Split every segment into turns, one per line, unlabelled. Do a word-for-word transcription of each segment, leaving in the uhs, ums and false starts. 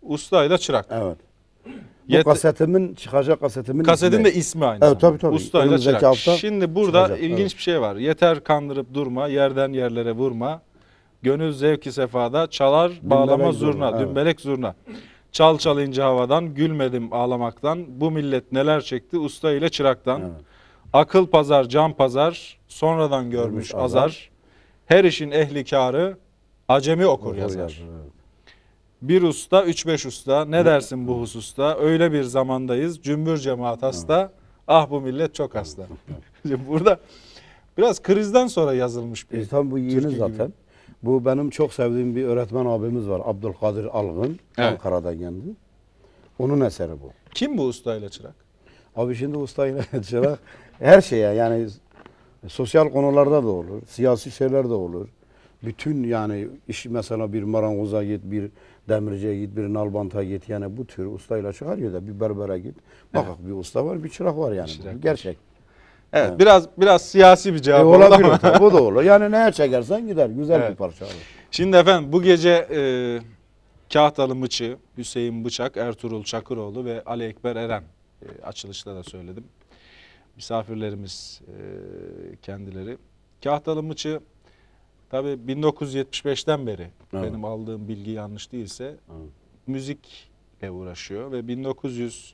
Usta ile çırak.
Evet. Bu
Yet
kasetimin, çıkacak kasetimin
Kasetin
ismi.
de ismi aynı
Evet, tabii,
zamanda.
tabii.
Usta ile
Önümüzdeki
çırak.
hafta
Şimdi burada
çıkacak,
ilginç
evet.
bir şey var. Yeter kandırıp durma, yerden yerlere vurma. Gönül zevki sefada, çalar bağlama
Dümbelek
zurna,
zurna, evet.
dümbelek zurna. Çal çalınca havadan, gülmedim ağlamaktan. Bu millet neler çekti usta ile çıraktan.
Evet.
Akıl pazar, can pazar, sonradan görmüş,
Görmüş
azar.
azar.
Her işin ehli kârı, acemi okur,
Okur
yazar.
yazar, evet.
Bir usta, üç beş usta, ne dersin bu hususta? Öyle bir zamandayız, cümbür cemaat hasta. Ah bu millet çok hasta. Şimdi burada biraz krizden sonra yazılmış bir
E, tabii bu yeni
türkü gibi.
zaten. Bu benim çok sevdiğim bir öğretmen abimiz var. Abdülkadir Algın.
Evet.
Ankara'dan geldi. Onun eseri bu.
Kim bu usta ile çırak?
Abi şimdi ustayla çırak her şeye yani sosyal konularda da olur. Siyasi şeyler de olur. Bütün yani iş mesela bir marangoza git, bir demirciye git, bir nalbanta git. Yani bu tür ustayla çıkarıyor da bir berbere git. Bak bir usta var, bir çırak var yani.
Çırak var.
Gerçek.
Evet,
Evet.
biraz biraz siyasi bir cevap
E,
oldu
olabilir
ama.
tabii, bu da olur. Yani neye çekersen gider. Güzel
Evet.
bir parça abi.
Şimdi efendim bu gece e, Kahtalı Mıçı, Hüseyin Bıçak, Ertuğrul Çakıroğlu ve Ali Ekber Eren e, açılışta da söyledim. Misafirlerimiz e, kendileri. Kahtalı Mıçı tabii bin dokuz yüz yetmiş beşten beri
Evet.
benim aldığım bilgi yanlış değilse
Evet.
müzikle uğraşıyor ve bin dokuz yüz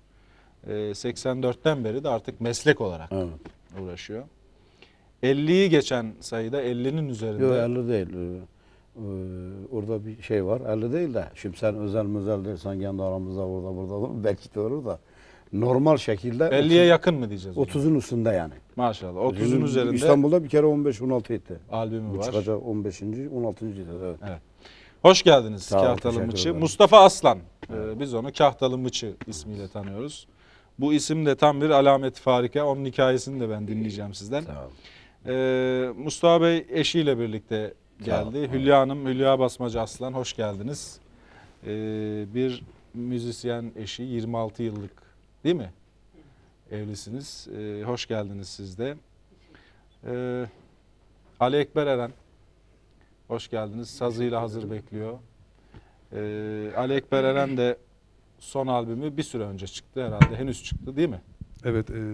seksen dörtten beri de artık meslek olarak
Evet.
uğraşıyor. elliyi geçen sayıda ellinin üzerinde.
Yok elli değil. Ee, e, orada bir şey var. elli değil de. Şimdi sen özel müzel dersen kendi aramızda orada burada olur. Belki de olur da. Normal şekilde
elliye yakın mı diyeceğiz? ona?
otuzun üstünde yani.
Maşallah. otuzun
Bizim
üzerinde
İstanbul'da bir kere on beş on altı etti.
albümü
Bu
var.
çıkacak on beşinci on altıncı Evet.
Evet. Hoş geldiniz
Sağ ol,
Kahtalı
teşekkür
Mıçı.
ederim.
Mustafa Aslan. Ee, biz onu Kahtalı Mıçı ismiyle tanıyoruz. Bu isim de tam bir alamet farika. Onun hikayesini de ben dinleyeceğim sizden.
Sağ ol.
Ee, Mustafa Bey eşiyle birlikte
Sağ ol.
geldi. Hülya Hanım, Hülya Basmacı Aslan hoş geldiniz. Ee, bir müzisyen eşi, yirmi altı yıllık değil mi? Evlisiniz. Ee, hoş geldiniz siz de. Ee, Ali Ekber Eren, hoş geldiniz. Sazıyla hazır bekliyor. Ee, Ali Ekber Eren de son albümü bir süre önce çıktı herhalde. Henüz çıktı değil mi?
Evet, e,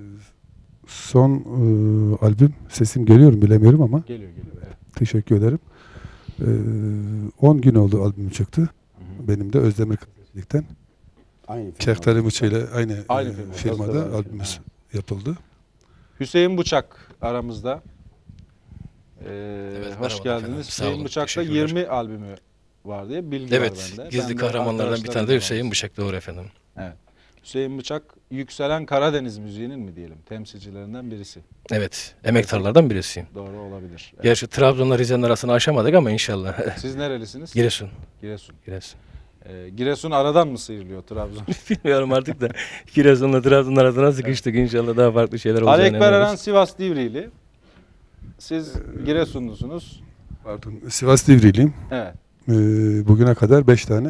son e, albüm sesim geliyor mu bilemiyorum ama
Geliyor geliyor. Evet.
teşekkür ederim. E, on gün oldu albüm çıktı.
Hı hı.
Benim de Özdemir Gazetecilik'ten.
Aynı film.
Keftali Mıçı ile aynı,
Aynı
e,
firma.
firmada
Gazetecilik.
albümümüz yapıldı.
Hüseyin Bıçak aramızda. Ee,
Evet,
hoş
merhabalar
geldiniz.
efendim. Sağ
Hüseyin
olun,
Bıçak'ta
teşekkürler.
yirmi albümü var diye bilgi
Evet,
var bende.
gizli
Ben de
kahramanlardan bir tane de
arkadaşlarımla
Hüseyin
var.
Bıçak, doğru efendim.
Evet. Hüseyin Bıçak yükselen Karadeniz müziğinin mi diyelim temsilcilerinden birisi.
Evet, emektarlardan birisiyim.
Doğru olabilir. Evet.
Gerçi Trabzon'la Rize'nin arasını aşamadık ama inşallah.
Siz nerelisiniz?
Giresun.
Giresun.
Giresun.
Ee, Giresun aradan mı sıyrılıyor Trabzon?
Bilmiyorum artık da Giresun'la Trabzon'un arasına sıkıştık. İnşallah daha farklı şeyler
Ali
olacağını
Ekber Eren
inanıyoruz.
Sivas Divriğili. Siz Giresunlusunuz.
Pardon, Sivas Divriliyim.
Evet.
E, bugüne kadar beş tane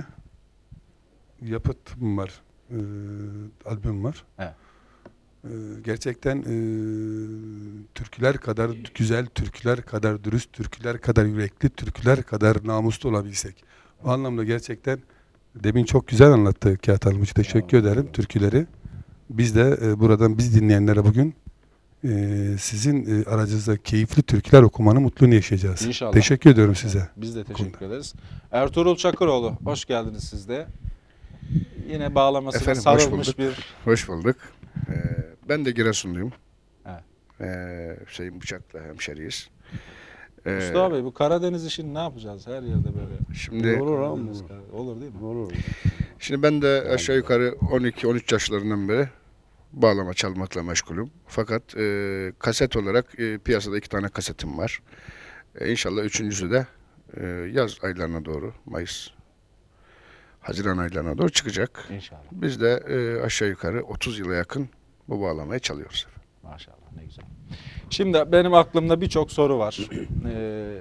yapıtım var. E, albüm var.
Evet.
E, gerçekten e, türküler kadar güzel, türküler kadar dürüst, türküler kadar yürekli, türküler kadar namuslu olabilsek. O anlamda gerçekten demin çok güzel anlattı Kahtalı Mıçı. Teşekkür
Ya,
ederim
evet.
türküleri. Biz de e, buradan biz dinleyenlere bugün e, sizin e, aracınızda keyifli türküler okumanın mutluluğunu yaşayacağız.
İnşallah.
Teşekkür ediyorum size.
Biz de teşekkür
konuda.
ederiz. Ertuğrul Çakıroğlu, hoş geldiniz siz de. Yine bağlamasına
Efendim, hoş
sarılmış
bulduk.
bir...
Hoş bulduk. Ee, ben de Giresunluyum.
Evet.
Ee, Hüseyin Bıçak'la hemşeriyiz. Ee,
Mustafa Bey, bu Karadeniz işini ne yapacağız? Her yerde böyle.
Şimdi
Olur abi,
Karadeniz,
olur.
Karadeniz. Olur değil mi?
Olur.
şimdi ben de aşağı yukarı on iki on üç yaşlarından beri bağlama çalmakla meşgulüm. Fakat e, kaset olarak e, piyasada iki tane kasetim var. E, İnşallah üçüncüsü de e, yaz aylarına doğru, Mayıs, Haziran aylarına doğru çıkacak.
İnşallah.
Biz de e, aşağı yukarı otuz yıla yakın bu bağlamayı çalıyoruz.
Maşallah, ne güzel. Şimdi benim aklımda birçok soru var. Ee,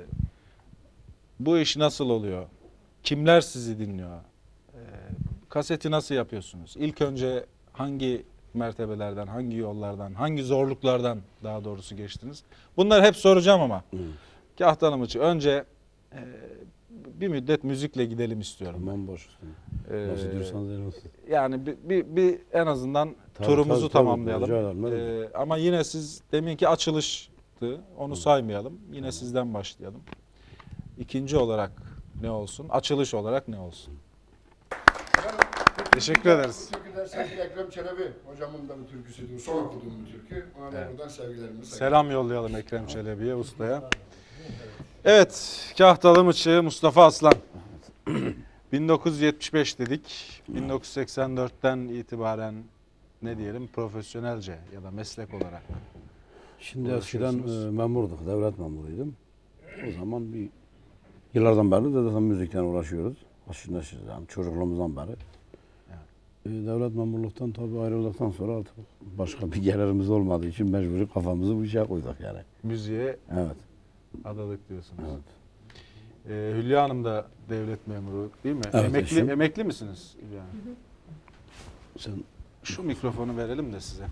bu iş nasıl oluyor? Kimler sizi dinliyor? Ee, kaseti nasıl yapıyorsunuz? İlk önce hangi mertebelerden, hangi yollardan, hangi zorluklardan daha doğrusu geçtiniz? Bunları hep soracağım ama.
Hı.
Kahtalı Mıçı, önce e, bir müddet müzikle gidelim istiyorum.
Tamam boş.
Ee,
Nasıl diyorsanız öyle olsun.
Yani bir, bir, bir en azından
Tabii,
turumuzu
tabii, tabii.
tamamlayalım.
Rica ederim, ne demek.
Ee, ama yine siz deminki açılıştı. Onu saymayalım. Yine sizden başlayalım. İkinci olarak ne olsun? Açılış olarak ne olsun? Teşekkür ederiz.
Türküler sevgili Ekrem Çelebi hocamın da bir türküsüydü. Son okuduğum bir türkü. Ona da
Evet.
buradan sevgilerimi
Selam yollayalım Ekrem Çelebi'ye, ustaya. Evet, Kahtalı Mıçı Mustafa Aslan. bin dokuz yüz yetmiş beş dedik. bin dokuz yüz seksen dörtten itibaren ne diyelim profesyonelce ya da meslek olarak.
Şimdi eskiden
Uğraşıyorsunuz.
e, memurduk, devlet memuruydum. O zaman bir yıllardan beri de zaten müzikten uğraşıyoruz. Aşırı neşir yani çocukluğumuzdan beri. E, devlet memurluktan tabii ayrıldıktan sonra artık başka bir gelirimiz olmadığı için mecburi kafamızı bu işe koyduk yani.
Müziğe
Evet,
adadık diyorsunuz.
evet.
Ee, Hülya Hanım da devlet memuru değil mi?
Evet,
emekli
eşim.
emekli misiniz Hülya Hanım?
Sen
Şu mikrofonu verelim de size.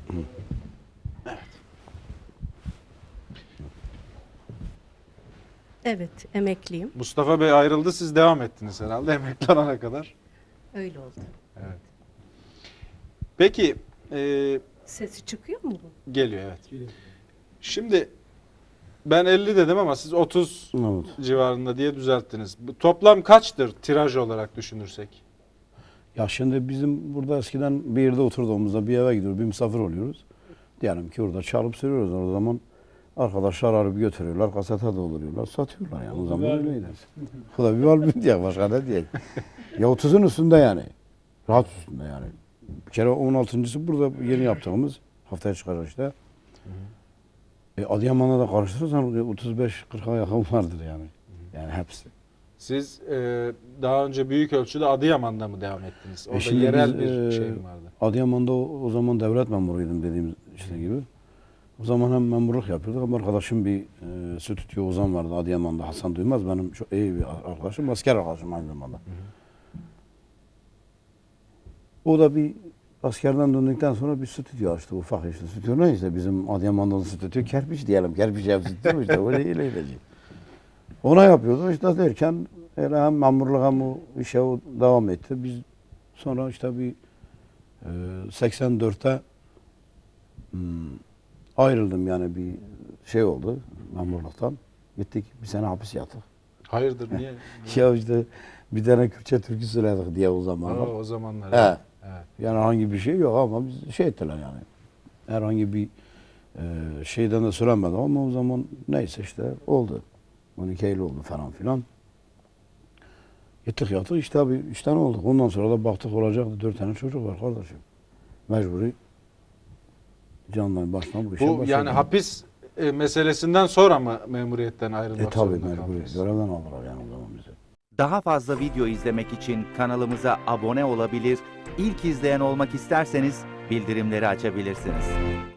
Evet, emekliyim.
Mustafa Bey ayrıldı, siz devam ettiniz herhalde emekli olana kadar.
Öyle oldu.
Evet. Peki, e,
Sesi çıkıyor mu bu?
geliyor evet. Şimdi ben elli dedim ama siz otuz
evet.
civarında diye düzelttiniz. Bu toplam kaçtır tiraj olarak düşünürsek?
Ya şimdi bizim burada eskiden bir yerde oturduğumuzda bir eve gidiyoruz, bir misafir oluyoruz. Diyelim ki orada çalıp söylüyoruz. O zaman arkadaşlar arayıp götürüyorlar, kasete dolduruyorlar, satıyorlar yani. O zaman öyleydi. Bu da bir albüm diye, başka ne diye. Ya otuzun üstünde yani. Rahat üstünde yani. Bir kere on altıncısı burada yeni yaptığımız, haftaya çıkacak işte. E, Adıyaman'da da karıştırırsan otuz beş kırka yakın vardır yani. Yani hepsi.
Siz e, daha önce büyük ölçüde Adıyaman'da mı devam ettiniz? Orada
şimdi
yerel
biz,
bir
e,
şey mi vardı?
Adıyaman'da o, o zaman devlet memuruydum dediğimiz işte gibi. O zaman hem memurluk yapıyorduk ama arkadaşım bir e, stüdyo Ozan vardı Adıyaman'da, Hasan Duymaz, benim çok iyi bir arkadaşım, asker arkadaşım aynı zamanda. O da bir askerden döndükten sonra bir stüdyo açtı, ufak işte. Stüdyo ne işte, bizim Adıyaman'da da stüdyo kerpiç diyelim, kerpiç ev stüdyo işte, öyle öyle öyle. Ona yapıyordu işte derken öyle hem memurluk hem o işe o devam etti. Biz sonra işte bir e, seksen dörtte hmm, ayrıldım yani, bir şey oldu memurluktan. Gittik bir sene hapis yattık.
Hayırdır niye?
Ya işte bir tane Kürtçe türkü söyledik diye o zamanlar.
Aa, o zamanlar.
He.
Evet.
Yani herhangi bir şey yok ama biz şey ettiler yani. Herhangi bir e, şeyden de söylenmedi ama o zaman neyse işte oldu. on iki Eylül oldu falan filan. Gittik yattık işte abi işten olduk. Ondan sonra da baktık olacaktı. Dört tane çocuk var kardeşim. Mecburi candan baştan bu işe
Bu
başladık.
yani hapis e, meselesinden sonra mı memuriyetten ayrılmak
E tabi
zorunda
mecburi.
kaldınız?
Görevden aldılar yani o zaman bizi.
Daha fazla video izlemek için kanalımıza abone olabilir, ilk izleyen olmak isterseniz bildirimleri açabilirsiniz.